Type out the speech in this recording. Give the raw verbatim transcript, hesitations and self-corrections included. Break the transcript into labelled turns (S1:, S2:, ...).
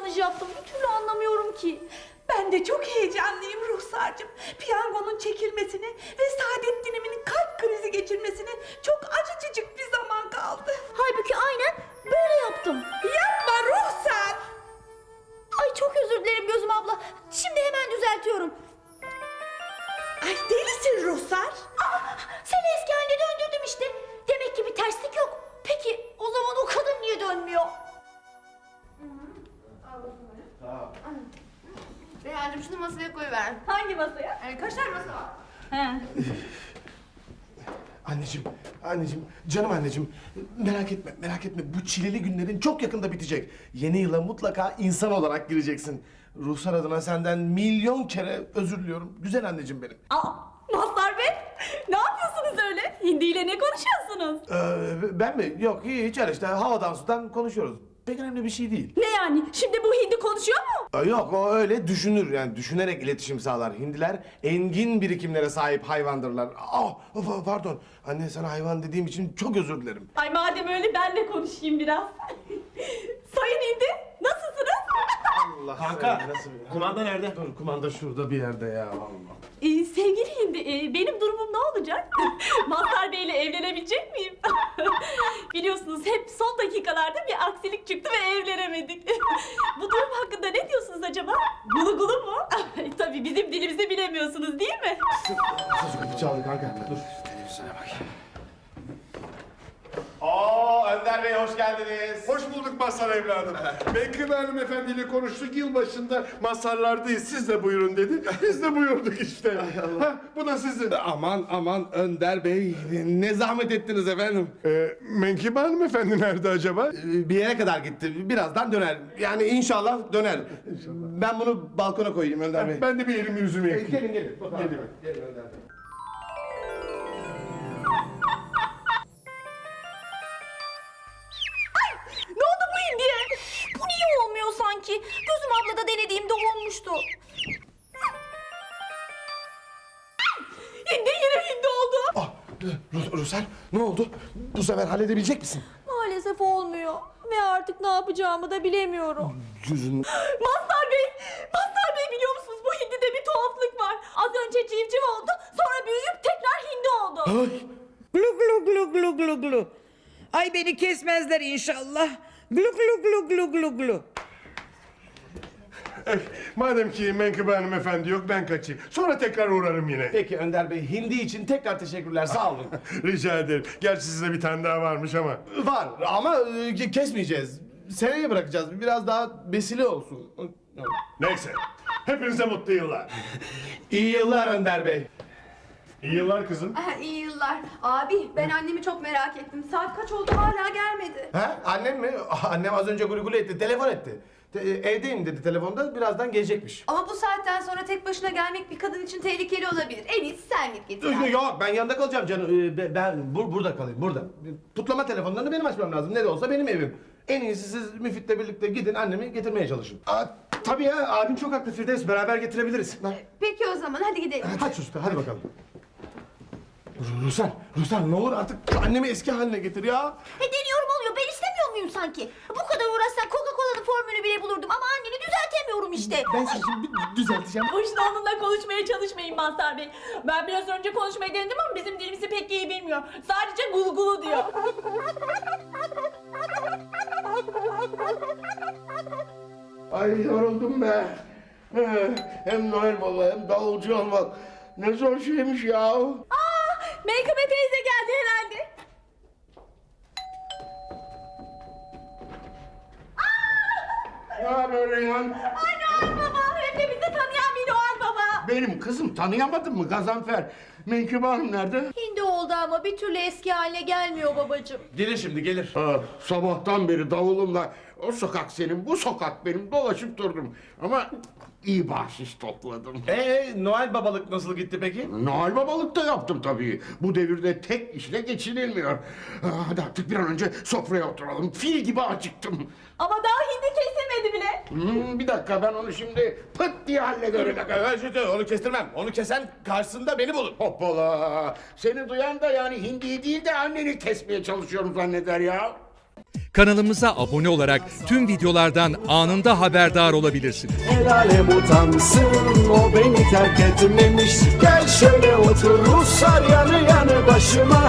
S1: yanlış yaptım? Bir türlü anlamıyorum ki.
S2: Ben de çok heyecanlıyım Ruhsar'cığım. Piyangonun çekilmesine ve Saadettin'imin kalp krizi geçirmesine çok acıcık bir zaman kaldı.
S1: Halbuki aynen böyle yaptım.
S2: Yapma Ruhsar.
S1: Ay çok özür dilerim Gözüm abla. Şimdi hemen düzeltiyorum.
S2: Ay delisin Ruhsar.
S1: Aa, seni eski haline döndürdüm işte. Demek ki bir terslik yok. Peki o zaman o kadın niye dönmüyor?
S3: Reyhancığım şunu masaya koyuver.
S1: Hangi masaya?
S3: Yani kaç tane masa var?
S1: He.
S4: Anneciğim, anneciğim, canım anneciğim. Merak etme, merak etme. Bu çileli günlerin çok yakında bitecek. Yeni yıla mutlaka insan olarak gireceksin. Ruhsar adına senden milyon kere özür diliyorum. Güzel anneciğim benim.
S1: Aa, Mazhar Bey, ne yapıyorsunuz öyle? Hindi ile ne konuşuyorsunuz?
S4: Ee, ben mi? Yok, hiç öyle işte havadan sudan konuşuyoruz. Pek önemli bir şey değil.
S1: Ne yani? Şimdi bu hindi konuşuyor mu?
S4: Ee, Yok, o öyle düşünür yani düşünerek iletişim sağlar. Hindiler engin birikimlere sahip hayvandırlar. Ah, pa- pardon. Anne sana hayvan dediğim için çok özür dilerim.
S1: Ay madem öyle ben de konuşayım biraz. Sayın hindi, nasılsınız?
S4: Allah
S5: Kanka,
S4: seni nasıl bir-
S5: kumanda nerede?
S4: Dur, kumanda şurada bir yerde ya vallahi.
S1: Ee, sevgili hindi, e, benim durumum ne olacak? Mazhar Bey ile evlenebilecek miyim? Biliyorsunuz hep son dakikalarda bir aksilik çıktı ve evlenemedik. Bu durum hakkında ne diyorsunuz acaba? Gulu gulu mu? Tabii bizim dilimizi bilemiyorsunuz değil mi?
S4: Sus kapı çaldı kanka. Dur. Televizyona bak. Oo Önder Bey hoş geldiniz.
S6: Hoş bulduk Mazhar evladım. Menkıbe hanımefendiyle konuştuk, yılbaşında Mazharlardayız, siz de buyurun dedi. Biz de buyurduk işte. Ha, bu da sizin.
S4: Aman aman Önder Bey ne zahmet ettiniz efendim.
S6: Ee, Menkıbe hanımefendi nerede acaba?
S4: Ee, Bir yere kadar gitti. Birazdan döner. Yani inşallah döner. Ben bunu balkona koyayım Önder Bey.
S6: Ben de bir elimi yüzümü
S4: Ee,
S6: yakayım.
S4: Gelin gelin.
S6: Gelin.
S4: Gelin Önder Bey.
S1: Ne oldu bu hindiye? Bu niye olmuyor sanki? Gözüm ablada denediğimde olmuştu. Hindi yine hindi oldu.
S4: Ah, Ru- Rusel ne oldu? Bu sefer halledebilecek misin?
S1: Maalesef olmuyor. Ve artık ne yapacağımı da bilemiyorum.
S4: Yüzün...
S1: Mazhar Bey! Mazhar Bey biliyor musunuz? Bu hindide bir tuhaflık var. Az önce civciv oldu, sonra büyüyüp tekrar hindi oldu.
S4: Ay.
S7: Glu glu glu glu glu glu. Ay beni kesmezler inşallah. Glu glu glu glu glu glu.
S6: Eh, madem ki Menkıbe hanımefendi yok, ben kaçayım. Sonra tekrar uğrarım yine.
S4: Peki Önder Bey hindi için tekrar teşekkürler sağ olun.
S6: Rica ederim. Gerçi size bir tane daha varmış ama.
S4: Var ama e, kesmeyeceğiz. Seneye bırakacağız. Biraz daha besile olsun.
S6: Neyse. Hepinize mutlu yıllar.
S4: İyi yıllar Önder Bey.
S6: İyi yıllar kızım.
S3: Ah, iyi yıllar. Abi ben annemi çok merak ettim. Saat kaç oldu hala gelmedi.
S4: Ha? Annem mi? Ah, Annem az önce gulu gulu etti. Telefon etti. Te- evdeyim dedi telefonda. Birazdan gelecekmiş.
S3: Ama bu saatten sonra tek başına gelmek bir kadın için tehlikeli olabilir. En iyisi sen git getir. abi.
S4: Yok ben yanında kalacağım canım. Ee, be- Ben bur- burada kalayım burada. Putlama telefonlarını benim açmam lazım. Ne de olsa benim evim. En iyisi siz Müfit'le birlikte gidin annemi getirmeye çalışın.
S5: Aa, tabii ya, abin çok haklı Firdevs. Beraber getirebiliriz.
S3: Peki o zaman hadi gidelim.
S4: Hadi usta hadi bakalım. Ruslan, Ruslan ne olur artık şu annemi eski haline getir ya.
S1: E deniyorum oluyor. Ben istemiyor muyum sanki? Bu kadar uğraşsam Coca-Cola'nın formülü bile bulurdum ama anneni düzeltemiyorum işte.
S4: Ben sizi şimdi bir düzelteceğim.
S1: Boşuna onunla konuşmaya çalışmayın Mazhar Bey. Ben biraz önce konuşmayı denedim ama bizim dilimizi pek iyi bilmiyor. Sadece gulu gulu diyor.
S4: Ay yoruldum be. Eh, Hem Noel Baba hem davulcu olmak. Ne zor şeymiş ya.
S1: Aa, Meykıbe teyze geldi herhalde.
S4: Ne haber Reyhan?
S1: Ay Noel Baba, hepimizi tanıyan bir Noel Baba.
S4: Benim kızım tanıyamadın mı Gazanfer? Menkıbe Hanım nerede?
S1: Hindi oldu ama bir türlü eski haline gelmiyor babacığım.
S4: Gelir şimdi gelir.
S8: Ha, sabahtan beri davulumla o sokak senin, bu sokak benim dolaşıp durdum. Ama iyi bahşiş topladım.
S4: Ee Noel babalık nasıl gitti peki?
S8: Noel babalık da yaptım tabii. Bu devirde tek işle geçinilmiyor. Ha, Hadi artık bir an önce sofraya oturalım. Fil gibi acıktım.
S1: Ama daha hindi kesilmedi bile.
S8: Hmm, bir dakika ben onu şimdi pıt diye hallederim.
S4: Evet, onu kestirmem. Onu kesen karşısında beni bulur.
S8: Hoppala. Seni duyan da yani hindiyi değil de anneni kesmeye çalışıyorum zanneder ya.
S9: Kanalımıza abone olarak tüm videolardan anında haberdar olabilirsiniz.
S10: El alem utansın, o beni terk etmemiş. Gel şöyle otur Ruslar yanı yanı başıma.